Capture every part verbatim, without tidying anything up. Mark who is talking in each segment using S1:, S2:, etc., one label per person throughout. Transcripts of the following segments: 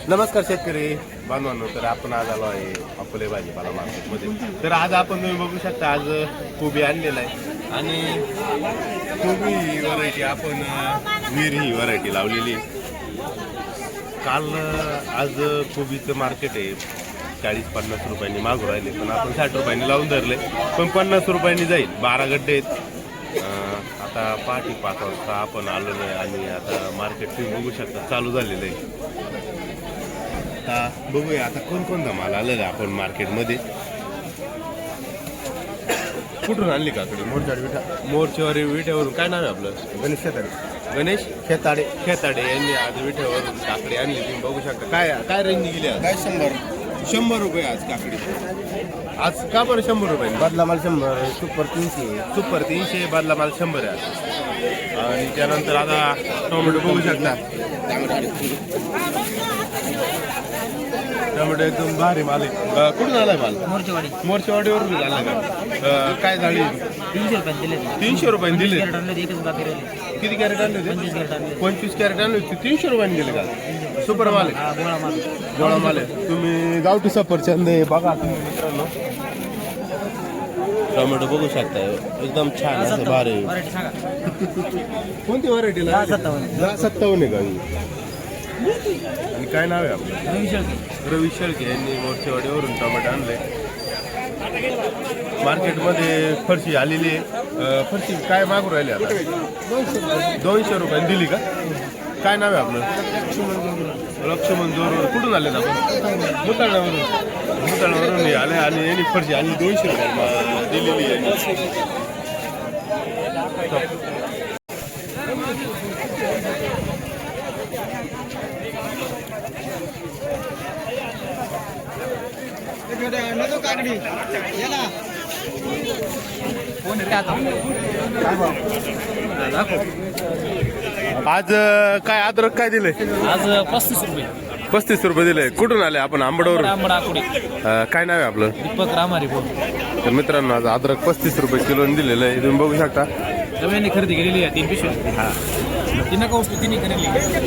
S1: नमस्कार शेतकरी बांधवांनो, तर आपण आज आलो आहे अकोले भाजीपाला मार्केटमध्ये. तर आज आपण तुम्ही बघू शकता, आज कोबी आणलेला आहे आणि कोबी ही व्हरायटी आपण वीर ही व्हरायटी लावलेली आहे. काल आज कोबीचं मार्केट आहे चाळीस पन्नास रुपयांनी मागू राहिले, पण आपण साठ रुपयांनी लावून धरले, पण पन्नास रुपयांनी जाईल. बारा गड्डे आहेत. आता पहाटे पाच वाजता आपण आलेलो आहे आणि आता मार्केट तुम्ही बघू शकता चालू झालेलं आहे. आता बघूया आता कोणकोणता माल आलेला आहे आपण मार्केटमध्ये. कुठून आणली काकडी? मोरचाडी विठा मोरचेवारी विठ्यावरून. काय नाव आहे आपलं? गणेश खेताडे. गणेश खेताडे खेताडे यांनी आज विठ्यावरून काकडी आणली. तुम्ही बघू शकता. काय काय रेंजनी गेली आज?
S2: काय शंभर
S1: शंभर रुपये आज काकडी. आज का बरं शंभर रुपये?
S2: बदला माल शंभर, सुपर तीनशे.
S1: सुपर तीनशे, बदला माल शंभर आहे आज. आणि त्यानंतर आता टोमॅटो बघू शकता. टोमॅटो एकदम भारी माल आहे. कुठून आलाय माल?
S3: मोर्चेवाडी.
S1: मोर्चेवाडीवरून झाला का? काय झाली?
S3: तीनशे रुपये दिले.
S1: तीनशे रुपये दिले.
S3: कॅरेट आणले, एकच बाकी राहिले.
S1: किती कॅरेट आणले होते?
S3: पंचवीस कॅरेट आणले.
S1: पंचवीस कॅरेट आणले होते, तीनशे रुपयांनी दिले का? सुपर माल आहे.
S3: हा, गोळा माल.
S1: गोळा माल आहे. तुम्ही गावठी सफरचंद आहे बघा तुम्ही मित्रांनो. टोमॅटो बघू शकता, एकदम छान असं भारी.
S3: व्हरायटी सांगा.
S1: कोणती व्हरायटीला?
S3: दहा सत्तावन्न.
S1: दहा सत्तावन्न आहे का ही? आणि काय नाव आहे आपलं?
S3: रवी शेळके.
S1: रवी शेळके यांनी मोर्चेवाडीवरून टोमॅटो आणले. मार्केटमध्ये फरशी आलेली आहे. फरशी काय मागू राहिले आता? दोनशे रुपयांनी दिली का? काय नाव आहे आपलं? लक्ष्मण जोर. कुठून आले आपण? मुताळण्यावरून. मुताळण्यावरून आले आणि यांनी फरशी आणि दोनशे रुपये दिलेली आहे. आज काय अद्रक काय दिले?
S3: आज पस्तीस रुपये.
S1: पस्तीस रुपये दिले. कुठून आले आपण? आंबडवरून.
S3: आंबड आकुडे.
S1: काय नाव आहे आपलं?
S3: दीपक रामारी बोल.
S1: तर मित्रांनो, आज अद्रक पस्तीस रुपये किलोने दिलेलं आहे. तुम्ही बघू शकता.
S3: रव्याने खरेदी केलेली आहे तीन पिशव्या.
S1: हा,
S3: तिनं का वस्तू तिने केलेली.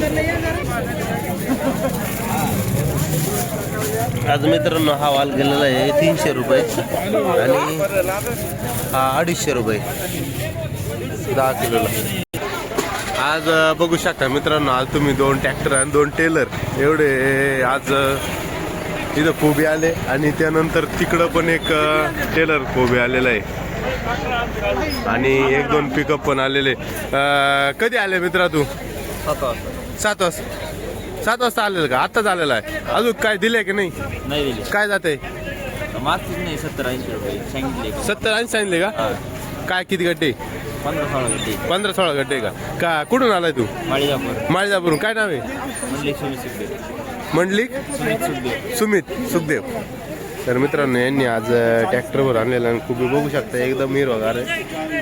S2: आज मित्रांनो हा वाल गेलेला आहे तीनशे रुपये आणि हा अडीचशे रुपये दहा किलोला.
S1: आज बघू शकता मित्रांनो, आज तुम्ही दोन ट्रॅक्टर आणि दोन टेलर एवढे आज इथं कोबी आले आणि त्यानंतर तिकडं पण एक टेलर कोबी आलेला आहे आणि एक दोन पिकअप पण आलेले. कधी आले मित्रा तू?
S3: सात वाजता.
S1: सात वाजता. सात वाजता आलेलं का? आत्ताच आलेला आहे. अजून काय दिले की नाही?
S3: नाही दिली.
S1: काय जाते?
S3: मागचीच नाही. सत्तर ऐंशी रुपये सांगितले.
S1: सत्तर ऐंशी सांगितले का? काय किती गड्डे?
S3: पंधरा सोळा गड्डे.
S1: पंधरा सोळा गड्डे का? का कुठून आलाय तू?
S3: माळीजापूर.
S1: माळीजापूरून. काय नाव आहे?
S3: म्हणले सुमित सुखदेव.
S1: मंडलिक
S3: सुमित सुखदेव.
S1: सुमित सुखदेव. तर मित्रांनो, यांनी आज ट्रॅक्टरवर आणलेला आणि खूप बघू शकता एकदम हिरवागार आहे.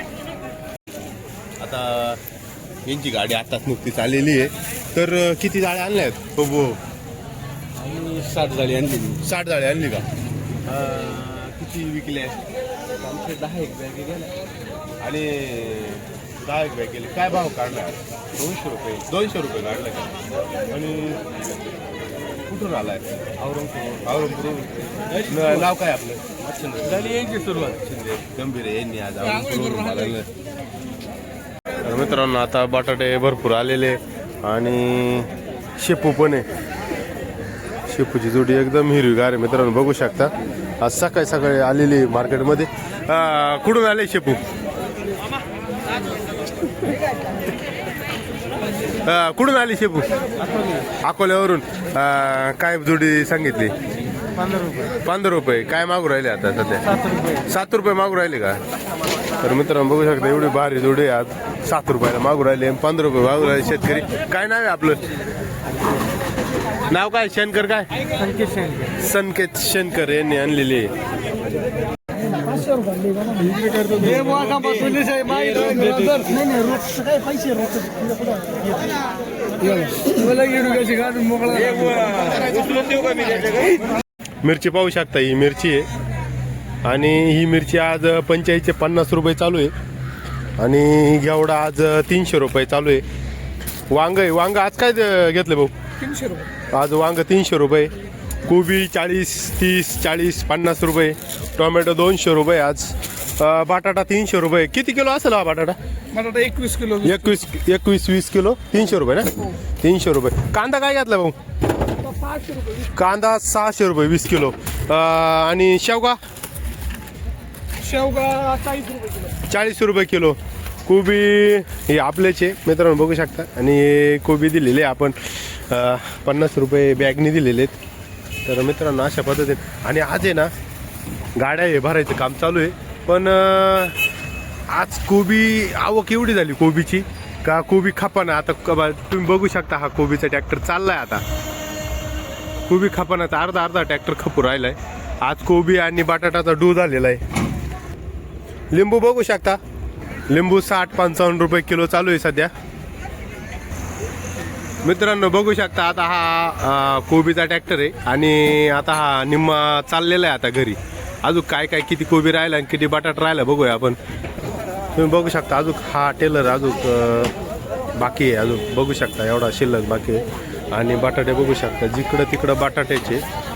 S1: आता यांची गाडी आताच नुकतीच आलेली आहे. तर किती जाळ्या आणल्या आहेत? हो हो,
S3: सात झाली आणली.
S1: साठ जाळ्या आणली का? किती विकल्या?
S3: आमचे दहा एक बॅग गेल्या
S1: आणि दहा एक बॅग गेले. काय भाव काढला? दोनशे रुपये. दोनशे रुपये काढले का? आणि कुठून आलाय?
S3: औरंगाबाद.
S1: औरंगाबाद. नाव काय आपलं? झाली यांची सुरुवात. शिंदे गंभीर यांनी आज औरंगाबादवरून आलेलं. तर मित्रांनो, आता बटाटे भरपूर आलेले आणि शेपू पण आहे. शेपूची जोडी एकदम हिरवीगार आहे मित्रांनो, बघू शकता. आज सकाळी सकाळी आलेली मार्केटमध्ये. कुठून आले शेपू? कुठून आली शेपू? अकोल्यावरून. काय जोडी सांगितली?
S3: पंधरा रुपये.
S1: पंधरा रुपये. काय मागू राहिले आता सध्या?
S3: सात रुपये.
S1: सात रुपये मागू राहिले का? तर मित्रांनो बघू शकता, एवढी भारी जोडी आज सात रुपयाला मागू राहिले, पंधरा रुपये मागू राहिले शेतकरी. काय नाव आहे आपलं? नाव काय? शनकर. काय?
S3: संकेत शेळके.
S1: संकेत शनकर यांनी आणलेली आहे. मिरची पाहू शकता, ही मिरची आहे आणि ही मिरची आज पंचेचाळीसशे पन्नास रुपये चालू आहे आणि घेवडा आज तीनशे रुपये चालू आहे. वांग आहे, वांग आज काय घेतलं भाऊ?
S4: तीनशे रुपये.
S1: आज वांग तीनशे रुपये, कोबी चाळीस तीस चाळीस पन्नास रुपये, टोमॅटो दोनशे रुपये आज, अं, बटाटा तीनशे रुपये. किती किलो असेल हा बटाटा?
S4: बटाटा एकवीस किलो.
S1: एकवीस एकवीस वीस किलो तीनशे रुपये ना, तीनशे रुपये. कांदा काय घातला भाऊ?
S4: सहाशे रुपये.
S1: कांदा सहाशे रुपये वीस किलो. अं, आणि शेवगा
S4: शेवगा चाळीस रुपये किलो.
S1: चाळीस रुपये किलो. कोबी हे आपल्याचे मित्रांनो बघू शकता. आणि कोबी दिलेले आपण अं, पन्नास रुपये बॅगनी दिलेले आहेत. तर मित्रांनो अशा पद्धतीने. आणि आज आहे ना गाड्या हे भरायचं काम चालू आहे. पण अं, आज कोबी आवक एवढी झाली कोबीची का कोबी खपाना. आता क- बा- तुम्ही बघू शकता हा कोबीचा ट्रॅक्टर चाललाय. आता कोबी खपानाचा अर्धा अर्धा ट्रॅक्टर खपू राहिलाय. आज कोबी आणि बटाटाचा डू झालेला आहे. लिंबू बघू शकता, लिंबू साठ पंचावन्न रुपये किलो चालू आहे सध्या. मित्रांनो बघू शकता आता हा अं, कोबीचा ट्रॅक्टर आहे. आणि आता हा निम्मा चाललेला आहे आता घरी. अजून काय काय किती कोबी राहिला आणि किती बटाटा राहिला बघूया आपण. तुम्ही बघू शकता अजून हा टेलर अजून अं, बाकी आहे. अजून बघू शकता एवढा शिल्लक बाकी आहे. आणि बटाटे बघू शकता जिकडं तिकडं बटाट्याचे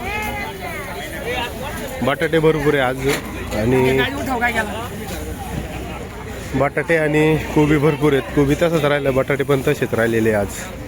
S1: बटाटे भरपूर आहे आज. आणि बटाटे आणि कोबी भरपूर आहेत. कोबी तसंच राहिलं, बटाटे पण तसेच राहिलेले आज.